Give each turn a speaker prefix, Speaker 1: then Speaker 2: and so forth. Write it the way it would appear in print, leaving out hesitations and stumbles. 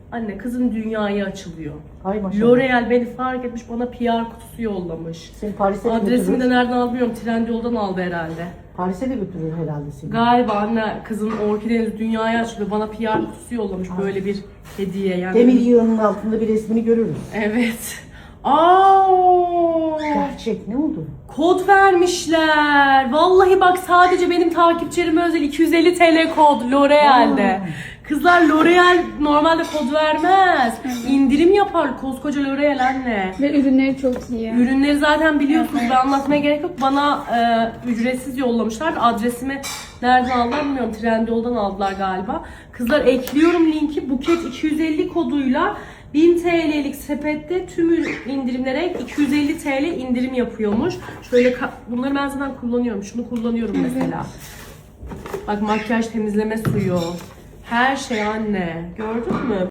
Speaker 1: Anne kızın dünyaya açılıyor.
Speaker 2: Ay maşallah.
Speaker 1: L'Oreal beni fark etmiş, bana PR kutusu yollamış.
Speaker 2: Seni Paris'e de
Speaker 1: Adresimi
Speaker 2: götürür.
Speaker 1: de nereden aldı bilmiyorum. Trendyol'dan aldı herhalde.
Speaker 2: Paris'e de götürür herhalde seni.
Speaker 1: Galiba anne kızın orkideniz dünyaya açılıyor. Bana PR kutusu yollamış böyle bir hediye. Yani
Speaker 2: Demir yığının altında bir resmini görürüz.
Speaker 1: evet. Aa!
Speaker 2: Gerçek ne oldu?
Speaker 1: Kod vermişler. Vallahi bak sadece benim takipçilerime özel 250 TL kod L'Oreal'de.
Speaker 2: Aa.
Speaker 1: Kızlar L'Oreal normalde kod vermez. İndirim yapar koskoca L'Oreal anne.
Speaker 3: Ve ürünleri çok iyi.
Speaker 1: Ürünleri zaten biliyorsunuz, ben anlatmaya gerek yok. Bana ücretsiz yollamışlar. Adresimi nereden aldılar bilmiyorum. Trendyol'dan aldılar galiba. Kızlar ekliyorum linki. Buket 250 koduyla 1000 TL'lik sepette tüm indirimlere 250 TL indirim yapıyormuş. Şöyle bunları ben zaten kullanıyorum. Şunu kullanıyorum mesela. Bak makyaj temizleme suyu. Her şey anne. Gördün mü?